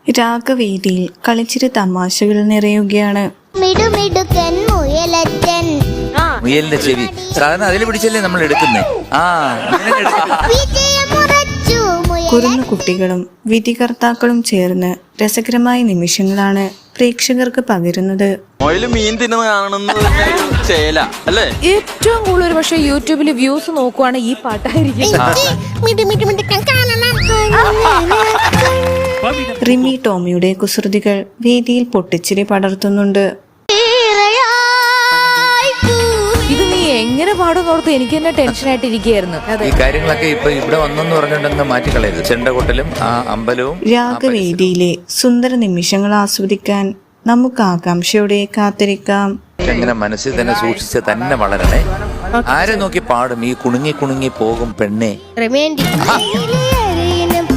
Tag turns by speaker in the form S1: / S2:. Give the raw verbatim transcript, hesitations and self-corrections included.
S1: രാഗവേദിയിൽ കളിച്ചിരി തമാശകൾ നിറയുകയാണ്.
S2: മുയലിന്റെ ചെവി സാധാരണ അതിൽ പിടിച്ചല്ലേ നമ്മൾ എടുക്കുന്നേ. ആ
S1: കുറുന്നു കുട്ടികളും വിധികർത്താക്കളും ചേർന്ന് രസകരമായ നിമിഷങ്ങളാണ് പ്രേക്ഷകർക്ക് പകരുന്നത്.
S3: ഏറ്റവും കൂടുതൽ പക്ഷെ യൂട്യൂബിൽ വ്യൂസ് നോക്കുവാണ് ഈ പാട്ടായിരിക്കും.
S1: റിമി ടോമിയുടെ കുസൃതികൾ വേദിയിൽ പൊട്ടിച്ചിരി പടർത്തുന്നുണ്ട്.
S3: ഇത് നീ എങ്ങനെ പാടുന്നോർത്ത് എനിക്ക് തന്നെ ടെൻഷനായിട്ട് ഇരിക്കുകയായിരുന്നു.
S2: ഈ കാര്യങ്ങളൊക്കെ ഇപ്പൊ ഇവിടെ വന്നെന്ന് പറഞ്ഞിട്ടുണ്ടെങ്കിൽ മാറ്റിക്കളയരുത്. ചെണ്ടകൊട്ടലും ആ അമ്പലവും.
S1: രാഗവേദിയിലെ സുന്ദര നിമിഷങ്ങൾ ആസ്വദിക്കാൻ നമുക്ക് ആകാംക്ഷയോടെ കാത്തിരിക്കാം.
S2: എങ്ങനെ മനസ്സിൽ തന്നെ സൂക്ഷിച്ച് തന്നെ വളരണേ. ആരെ നോക്കി പാടും ഈ കുണുങ്ങി കുണുങ്ങി പോകും പെണ്ണെ.